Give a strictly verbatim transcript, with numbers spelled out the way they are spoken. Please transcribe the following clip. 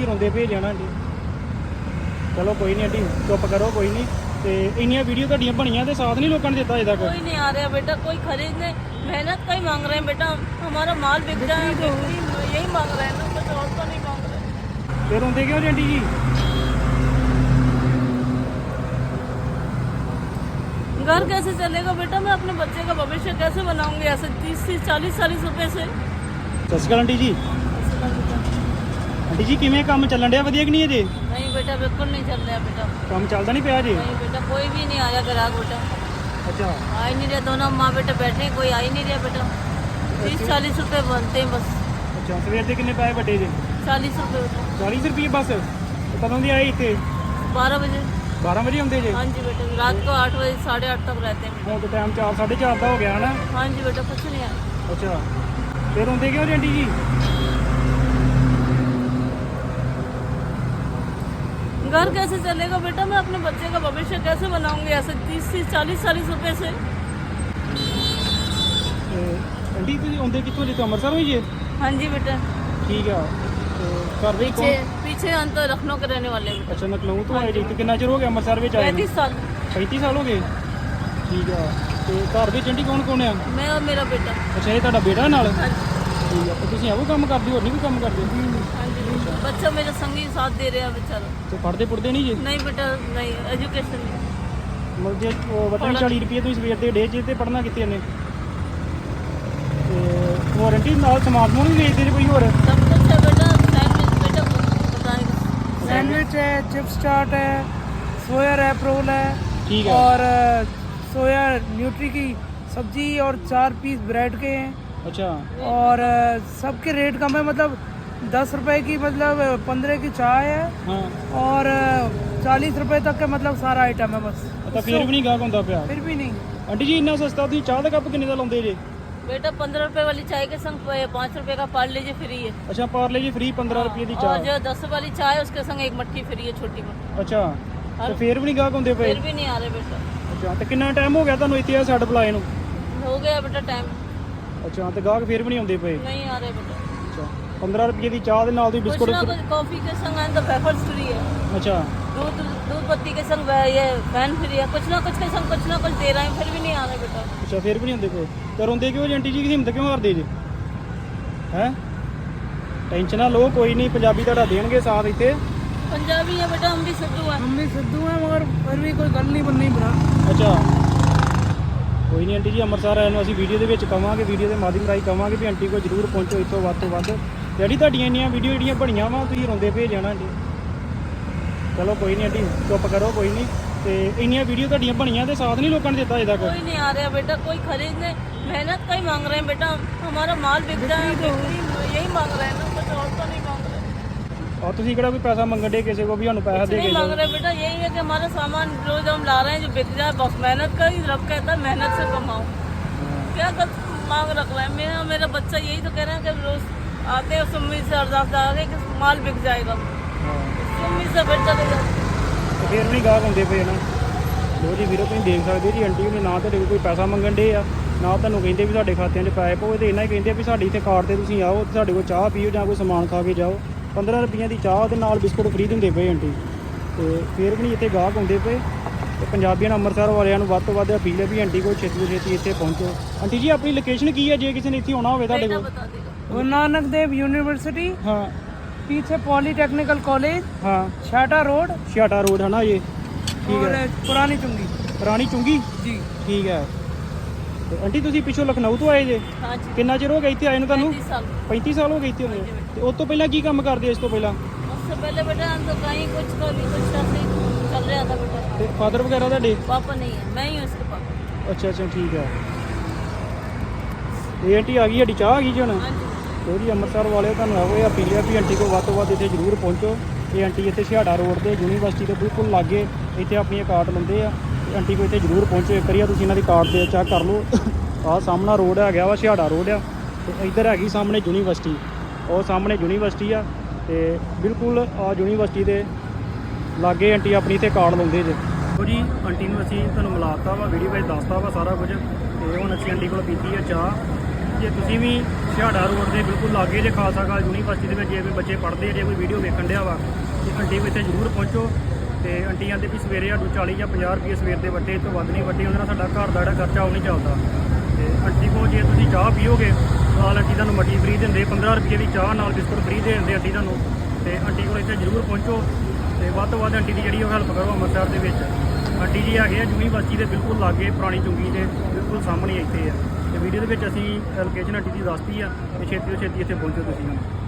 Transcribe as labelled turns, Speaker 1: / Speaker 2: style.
Speaker 1: ਤੁਸੀਂ ਰੋਂਦੇ ਭੇਜ ਜਾਣਾ ਆਂਟੀ। ਚਲੋ ਕੋਈ नहीं आंटी चुप करो कोई नहीं। तो इन्नियां वीडियो ਤੁਹਾਡੀਆਂ ਬਣੀਆਂ ਤੇ साथ नहीं लोगों ने दिता अजे तक।
Speaker 2: कोई नहीं आ रहा बेटा, कोई खरीदने मेहनत का ही मांग रहे हैं बेटा, हमारा माल बिक जाए यही मांग रहे हैं ना, कुछ और तो नहीं मांग रहे।
Speaker 1: फिर रोंदे क्यों जी आंटी जी?
Speaker 2: घर कैसे चलेगा बेटा, मैं अपने बच्चे का भविष्य कैसे बनाऊंगी ऐसे तीस तीस चालीस चालीस रुपए से।
Speaker 1: सत श्री अकाल आंटी जी। आंटी जी किवें काम चलन दिया वधिया कि नहीं अजे?
Speaker 2: नहीं बेटा बिल्कुल नहीं चल रहा बेटा,
Speaker 1: काम चलता नहीं पिया जी?
Speaker 2: नहीं बेटा कोई भी नहीं आया ग्राहक बेटा,
Speaker 1: अच्छा
Speaker 2: आ ही नहीं रहे, दोनों माँ बेटे बैठे हैं, कोई आ ही नहीं रहा बेटा। तीस चालीस रुपए बनते हैं बस।
Speaker 1: अच्छा सवेर के कितने पैसे बटे जी?
Speaker 2: चालीस रुपए बेटा।
Speaker 1: चालीस रुपये बस? तो कदों दी आई इतने?
Speaker 2: बारह बजे।
Speaker 1: बारह बजे आते जी?
Speaker 2: हाँ जी बेटा, रात को आठ बजे साढ़े आठ तक रहते हैं।
Speaker 1: ਹੁਣ तो टाइम चार साढ़े चार का हो गया है ना?
Speaker 2: हाँ जी बेटा कुछ नहीं आया।
Speaker 1: अच्छा फिर रोंदे क्यों जी आंटी जी?
Speaker 2: घर कैसे चलेगा बेटा, मैं अपने बच्चे का भविष्य कैसे बनाऊंगी ऐसे तीस तीस चालीस चालीस रुपए से।
Speaker 1: ਤੇ ਆਂਟੀ ਤੁਸੀਂ ਆਉਂਦੇ ਕਿੱਥੋਂ ਜੀ? ਤੋਂ ਅੰਮ੍ਰਿਤਸਰ ਹੋਈ ਜੀ?
Speaker 2: हाँ जी बेटा।
Speaker 1: ਠੀਕ ਆ। ਤੇ ਘਰ ਵਿੱਚ
Speaker 2: पीछे
Speaker 1: ਕੌਣ?
Speaker 2: पीछे हम तो लखनऊ के रहने वाले हैं।
Speaker 1: ਅੱਛਾ ਨਕਲਊ ਤੋਂ ਆਏ ਜੀ। ਤੇ ਕਿੰਨਾ ਚਿਰ ਹੋ ਗਿਆ ਅੰਮ੍ਰਿਤਸਰ ਵਿੱਚ ਆਏ ਨੂੰ?
Speaker 2: पैंतीस साल।
Speaker 1: पैंतीस साल हो गए? ठीक है। तो घर ਵਿੱਚ ਆਂਟੀ ਕੌਣ ਕੌਣ ਆ?
Speaker 2: मैं और मेरा बेटा।
Speaker 1: ਅੱਛਾ ਇਹ ਤੁਹਾਡਾ ਬੇਟਾ ਨਾਲ?
Speaker 2: हाँ जी
Speaker 1: ਠੀਕ ਆ। ਤੇ ਤੁਸੀਂ ਇਹੋ ਕੰਮ ਕਰਦੇ ਹੋ ਹੋਰ ਨਹੀਂ ਕੋਈ ਕੰਮ ਕਰਦੇ?
Speaker 2: हाँ जी बेटा। बच्चा मेरा संगी साथ दे रहा है बेचारा।
Speaker 1: ਤੇ ਪੜਦੇ ਪੁੜਦੇ ਨਹੀਂ ਜੀ?
Speaker 2: नहीं बेटा नहीं, एजुकेशन नहीं।
Speaker 1: ਮਤਲਬ ਜੇ ਉਹ ਵਤਨ ਚਾਲੀ ਰੁਪਏ ਤੁਸੀਂ ਸਵੇਰ ਦੇ ਡੇ ਜੇ ਤੇ ਪੜਨਾ ਕਿੱਥੇ ਇਹਨੇ? ਤੇ ਹੋਰ ਆਂਟੀ ਨਾਲ ਸਮਾਨ ਸਮੂਨ ਵੀ ਵੇਚਦੇ ਜੇ ਕੋਈ ਹੋਰ?
Speaker 2: सब कुछ है बेटा, सैंडविच बेटा बताएगा।
Speaker 3: सैंडविच है, चिप्स चाट है, सोया रैप रोल है
Speaker 1: ठीक है।
Speaker 3: और अ, सोया न्यूट्री की सब्जी और चार पीस ब्रेड के हैं
Speaker 1: अच्छा
Speaker 3: और अ, सबके रेट कम है, मतलब दस रुपए की मतलब पंद्रह की चाय है
Speaker 1: हाँ।
Speaker 3: और चालीस रुपए तक का मतलब सारा आइटम है बस।
Speaker 1: ਤਾਂ ਫਿਰ ਵੀ ਨਹੀਂ ਗਾਹਕ ਹੁੰਦਾ ਪਿਆ?
Speaker 3: फिर भी नहीं।
Speaker 1: ਆਂਟੀ ਜੀ ਇੰਨਾ ਸਸਤਾ ਤੁਸੀਂ ਚਾਹ ਦਾ ਕੱਪ ਕਿੰਨੇ ਦਾ ਲਾਉਂਦੇ ਜੇ?
Speaker 2: बेटा पंद्रह रुपए वाली चाय के संग पाँच रुपए का पार्ले जी फ्री है।
Speaker 1: ਅੱਛਾ ਪਾਰਲੇ ਜੀ ਫ੍ਰੀ पंद्रह रुपए ਦੀ
Speaker 2: और
Speaker 1: ਚਾਹ?
Speaker 2: जो दस वाली चाय है उसके संग एक मट्ठी फ्री है छोटी मट्ठी।
Speaker 1: ਅੱਛਾ ਤੇ ਫਿਰ ਵੀ ਨਹੀਂ ਗਾਹਕ ਹੁੰਦੇ ਪਏ?
Speaker 2: फिर भी नहीं आ रहे बेटा।
Speaker 1: ਅੱਛਾ ਤੇ ਕਿੰਨਾ ਟਾਈਮ ਹੋ ਗਿਆ ਤੁਹਾਨੂੰ ਇੱਥੇ ਆ ਛੱਡ ਬੁਲਾਏ ਨੂੰ?
Speaker 2: हो गया बेटा टाइम।
Speaker 1: ਅੱਛਾ ਤੇ ਗਾਹਕ ਫਿਰ ਵੀ ਨਹੀਂ ਆਉਂਦੇ ਪਏ?
Speaker 2: नहीं आ रहे बेटा।
Speaker 1: ਅੱਛਾ पंद्रह रुपए ਦੀ ਚਾਹ ਦੇ ਨਾਲ ਤੁਸੀਂ
Speaker 2: कुछ
Speaker 1: ਬਿਸਕੁਟ?
Speaker 2: ना कुछ कॉफी के संग है तो वेफर्स फ्री है,
Speaker 1: ਅੱਛਾ
Speaker 2: दूध दूध पत्ती के संग वे- ये फैन फ्री है, कुछ ना कुछ के संग कुछ ना कुछ दे रहे हैं, फिर भी नहीं आ रहे बेटा।
Speaker 1: ਅੱਛਾ ਫਿਰ ਵੀ ਨਹੀਂ ਹੁੰਦੇ ਪਏ? ਤੇ ਰੋਂਦੇ ਕਿਉਂ ਜੀ ਆਂਟੀ ਜੀ? ਹਿੰਮਤ ਕਿਉਂ ਹਾਰਦੇ ਜੀ? ਹੈ ਟੈਨਸ਼ਨ ਨਾ ਲਓ, ਕੋਈ ਨਹੀਂ ਪੰਜਾਬੀ ਤੁਹਾਡਾ ਦੇਣਗੇ ਸਾਥ ਇੱਥੇ।
Speaker 2: पंजाबी है बेटा, हम भी सिद्धू हैं।
Speaker 3: हम भी सिद्धू हैं मगर फिर भी कोई गल नहीं बननी बना।
Speaker 1: ਅੱਛਾ ਕੋਈ ਨਹੀਂ ਆਂਟੀ ਜੀ, ਅੰਮ੍ਰਿਤਸਰ ਆਏ ਨੂੰ ਅਸੀਂ ਵੀਡੀਓ ਦੇ ਵਿੱਚ ਕਵਾਂਗੇ, ਵੀਡੀਓ ਦੇ ਮਾਧਿਅਮ ਰਾਹੀਂ ਕਵਾਂਗੇ ਵੀ ਆਂਟੀ ਕੋਲ ਜ਼ਰੂਰ ਪਹੁੰਚੋ ਇੱਥੋਂ ਵੱਧ ਤੋਂ ਵੱਧ। ਜਿਹੜੀ ਤੁਹਾਡੀਆਂ ਇੰਨੀਆਂ ਵੀਡੀਓ ਜਿਹੜੀਆਂ ਬਣੀਆਂ ਵਾ ਤੁਸੀਂ ਰੋਂਦੇ ਭੇਜ ਜਾਣਾ ਆਂਟੀ। ਚਲੋ ਕੋਈ ਨਹੀਂ ਆਂਟੀ ਚੁੱਪ ਕਰੋ ਕੋਈ नहीं। ਤੇ ਇੰਨੀਆਂ ਵੀਡੀਓ ਤੁਹਾਡੀਆਂ ਬਣੀਆਂ ਤੇ ਸਾਥ ਨਹੀਂ ਲੋਕਾਂ ਨੇ ਦਿੱਤਾ ਅਜੇ ਤੱਕ।
Speaker 2: कोई नहीं आ रहा बेटा, कोई खरीदने मेहनत का ही मांग रहे हैं बेटा, हमारा माल बिक जाए यही मांग रहे हैं ना, कुछ और तो नहीं मांग रहे।
Speaker 1: और ਤੁਸੀਂ ਕਿਹੜਾ ਕੋਈ ਪੈਸਾ ਮੰਗਣ ਦੇ ਕਿਸੇ ਕੋ ਵੀ ਸਾਨੂੰ ਪੈਸਾ ਦੇ
Speaker 2: नहीं
Speaker 1: ਕੇ
Speaker 2: मांग
Speaker 1: ਜਾਓ?
Speaker 2: रहे बेटा, यही है कि हमारा सामान जो जो हम ला रहे हैं जो बिक जाए बस, मेहनत का ही रब कहता है मेहनत से कमाओ। क्या कर मांग रख रहा है मेरा मेरा बच्चा, यही तो कह रहे हैं कि रोज आते हैं उस उम्मीद से अरदास आ गए कि माल बिक जाएगा, उस उम्मीद से फिर चले जाओ।
Speaker 1: ਤੇ ਫਿਰ ਵੀ ਗਾਹਕ ਹੁੰਦੇ ਪਏ ਨਾ। ਲੋ ਜੀ ਵੀਰੋ ਤੁਸੀਂ ਦੇਖ ਸਕਦੇ ਜੀ ਆਂਟੀ ਨੇ ਨਾ ਤੁਹਾਡੇ ਕੋਲ ਕੋਈ ਪੈਸਾ ਮੰਗਣ ਦੇ ਆ ਨਾ ਤੁਹਾਨੂੰ ਕਹਿੰਦੇ ਵੀ ਸਾਡੇ ਖਾਤਿਆਂ 'ਚ ਪੈਸੇ ਪਾਓ, ਤੇ ਇਹਨਾਂ ਹੀ ਕਹਿੰਦੇ ਆ ਵੀ ਸਾਡੀ ਇੱਥੇ ਕਾਰਡ ਤੇ ਤੁਸੀਂ ਆਓ ਤੇ ਸਾਡੇ ਕੋਲ ਚਾਹ ਪੀਓ ਜਾਂ ਕੋਈ ਸਮਾਨ ਖਾ ਕੇ ਜਾਓ। पंद्रह रुपये ਦੀ ਚਾਹ ਦੇ ਨਾਲ ਬਿਸਕੁਟ ਫ੍ਰੀ ਦਿੰਦੇ ਪਏ ਆਂਟੀ। ਤੇ ਫਿਰ ਵੀ ਨਹੀਂ ਇੱਥੇ ਗਾਹਕ ਹੁੰਦੇ ਪਏ। ਤੇ ਪੰਜਾਬੀਆਂ ਨੂੰ ਅੰਮ੍ਰਿਤਸਰ ਵਾਲਿਆਂ ਨੂੰ ਵੱਧ ਤੋਂ ਵੱਧ ਅਪੀਲ ਹੈ ਵੀ ਆਂਟੀ ਕੋਲ ਛੇਤੀ ਤੋਂ ਛੇਤੀ ਇੱਥੇ ਪਹੁੰਚੋ। ਆਂਟੀ ਜੀ ਆਪਣੀ ਲੋਕੇਸ਼ਨ ਕੀ ਹੈ ਜੇ ਕਿਸੇ ਨੇ ਇੱਥੇ ਆਉਣਾ ਹੋਵੇ ਤੁਹਾਡੇ
Speaker 2: बेटा
Speaker 1: ਕੋਲ?
Speaker 2: बता देगा।
Speaker 3: गुरु नानक देव यूनिवर्सिटी
Speaker 1: ਹਾਂ
Speaker 3: पीछे पॉलीटेक्निकल कॉलेज
Speaker 1: ਹਾਂ
Speaker 3: छाटा रोड
Speaker 1: ਛਿਆਟਾ ਰੋਡ ਹੈ ਨਾ ਇਹ? ਠੀਕ
Speaker 3: और
Speaker 1: ਹੈ।
Speaker 3: पुरानी चुंगी
Speaker 1: ਪੁਰਾਣੀ ਚੁੰਗੀ?
Speaker 3: जी।
Speaker 1: ਠੀਕ ਹੈ। ਤੇ ਆਂਟੀ ਤੁਸੀਂ ਪਿੱਛੋਂ ਲਖਨਊ ਤੋਂ ਆਏ ਜੇ?
Speaker 2: हाँ जी
Speaker 1: ਕਿੰਨਾ ਚਿਰ ਹੋ ਗਿਆ ਇੱਥੇ ਆਏ ਨੂੰ ਤੁਹਾਨੂੰ?
Speaker 2: पैंतीस साल।
Speaker 1: पैंतीस साल हो गए थे उन्हें। तो उस तो पहला की काम करते इस तो पहला?
Speaker 2: उससे पहले बेटा हम तो कहीं कुछ कभी कुछ ऐसे ही चल रहा था बेटा।
Speaker 1: ते फादर वगैरह ਤੁਹਾਡੇ?
Speaker 2: पापा नहीं है, मैं ही हूँ इसके पापा।
Speaker 1: अच्छा अच्छा ठीक है। ਇਹ ਆਂਟੀ ਆ ਗਈ ਸਾਡੀ ਚਾਹ ਆ ਗਈ ਜੀ ਹੁਣ।
Speaker 2: हाँ जी
Speaker 1: ਲੋ ਜੀ ਅੰਮ੍ਰਿਤਸਰ ਵਾਲੇ ਤੁਹਾਨੂੰ ਇਹੋ ਇਹ ਅਪੀਲ ਹੈ ਵੀ ਆਂਟੀ ਕੋਲ ਵੱਧ ਤੋਂ ਵੱਧ ਇੱਥੇ ਜ਼ਰੂਰ ਪਹੁੰਚੋ। ਇਹ ਆਂਟੀ ਇੱਥੇ ਛਿਆੜਾ ਰੋਡ ਤੇ ਯੂਨੀਵਰਸਿਟੀ ਦੇ ਬਿਲਕੁਲ ਲਾਗੇ ਇੱਥੇ ਆਪਣੀਆਂ ਕਾਰਡ ਲਾਉਂਦੇ ਆ। ਤੇ ਆਂਟੀ ਕੋਲ ਇੱਥੇ ਜ਼ਰੂਰ ਪਹੁੰਚੋ ਇੱਕ ਵਾਰੀ। ਤੁਸੀਂ ਇਹਨਾਂ ਦੀ ਕਾਰਡ ਦੇ ਚੈੱਕ ਕਰ ਲਓ। ਆਹ ਸਾਹਮਣਾ ਰੋਡ ਹੈਗਾ ਵਾ ਛਿਆੜਾ ਰੋਡ ਆ, ਤੇ ਇੱਧਰ ਹੈਗੀ ਸਾਹਮਣੇ ਯੂਨੀਵਰਸਿਟੀ। ਉਹ ਸਾਹਮਣੇ ਯੂਨੀਵਰਸਿਟੀ ਆ ਤੇ ਬਿਲਕੁਲ ਆ ਯੂਨੀਵਰਸਿਟੀ ਦੇ ਲਾਗੇ ਆਂਟੀ ਆਪਣੀ ਇੱਥੇ ਕਾਰਡ ਲਾਉਂਦੇ ਜੇ। ਲੋ ਜੀ ਆਂਟੀ ਨੂੰ ਅਸੀਂ ਤੁਹਾਨੂੰ ਮਿਲਾਤਾ ਵਾ, ਵੀਡੀਓ ਵਿੱਚ ਦੱਸਤਾ ਵਾ ਸਾਰਾ ਕੁਝ। ਤੇ ਹੁਣ ਅਸੀਂ ਆਂਟੀ ਕੋਲ ਪੀਤੀ ਆ ਚਾਹ। ਜੇ ਤੁਸੀਂ ਵੀ ਛਿਹਾੜਾ ਰੋਡ ਦੇ ਬਿਲਕੁਲ ਲਾਗੇ ਜੇ ਖਾਲਸਾ ਕਾਲਜ ਯੂਨੀਵਰਸਿਟੀ ਦੇ ਵਿੱਚ ਜੇ ਕੋਈ ਬੱਚੇ ਪੜ੍ਹਦੇ ਆ, ਜੇ ਕੋਈ ਵੀਡੀਓ ਵੇਖਣ ਡਿਆ ਵਾ ਤੇ ਆਂਟੀ ਕੋਲ ਇੱਥੇ ਜ਼ਰੂਰ ਪਹੁੰਚੋ। ਤੇ ਆਂਟੀ ਕਹਿੰਦੇ ਵੀ ਸਵੇਰੇ ਸਾਨੂੰ ਚਾਲੀ ਜਾਂ ਪੰਜਾਹ ਰੁਪਏ ਸਵੇਰ ਦੇ ਵੱਟੇ ਤੋਂ ਵੱਧ ਨਹੀਂ ਵੱਟੇ, ਉਹਦੇ ਨਾਲ ਸਾਡਾ ਘਰ ਦਾ ਜਿਹੜਾ ਖਰਚਾ ਉਹ ਨਹੀਂ ਚੱਲਦਾ। ਤੇ ਆਂਟੀ ਕੋਲ ਜੇ ਤੁਸੀਂ ਚਾਹ ਪੀਓਗੇ ਨਾਲ ਆਂਟੀ ਤੁਹਾਨੂੰ ਮੱਠੀ ਫਰੀ ਦਿੰਦੇ, ਪੰਦਰਾਂ ਰੁਪਏ ਦੀ ਚਾਹ ਨਾਲ ਬਿਸਕੁਟ ਫਰੀ ਦੇ ਦਿੰਦੇ ਆਂਟੀ ਤੁਹਾਨੂੰ। ਤੇ ਆਂਟੀ ਕੋਲ ਇੱਥੇ ਜ਼ਰੂਰ ਪਹੁੰਚੋ ਤੇ ਵੱਧ ਤੋਂ ਵੱਧ ਆਂਟੀ ਦੀ ਜਿਹੜੀ ਉਹ ਹੈਲਪ ਕਰੋ ਅੰਮ੍ਰਿਤਸਰ ਦੇ ਵਿੱਚ। ਆਂਟੀ ਜੀ ਹੈਗੇ ਆ ਯੂਨੀਵਰਸਿਟੀ ਦੇ ਬਿਲਕੁਲ ਲਾਗੇ, ਪੁਰਾਣੀ ਚੁੰਗੀ ਦੇ ਬਿਲਕੁਲ ਸਾਹਮਣੇ ਇੱਥੇ ਆ। ਤੇ ਵੀਡੀਓ ਦੇ ਵਿੱਚ ਅਸੀਂ ਲੋਕੇਸ਼ਨ ਆਂਟੀ ਦੀ ਦੱਸਤੀ ਆ ਤੇ ਛੇਤੀ ਤੋਂ ਛੇਤੀ ਇੱਥੇ ਪਹੁੰਚੋ ਤੁਸੀਂ।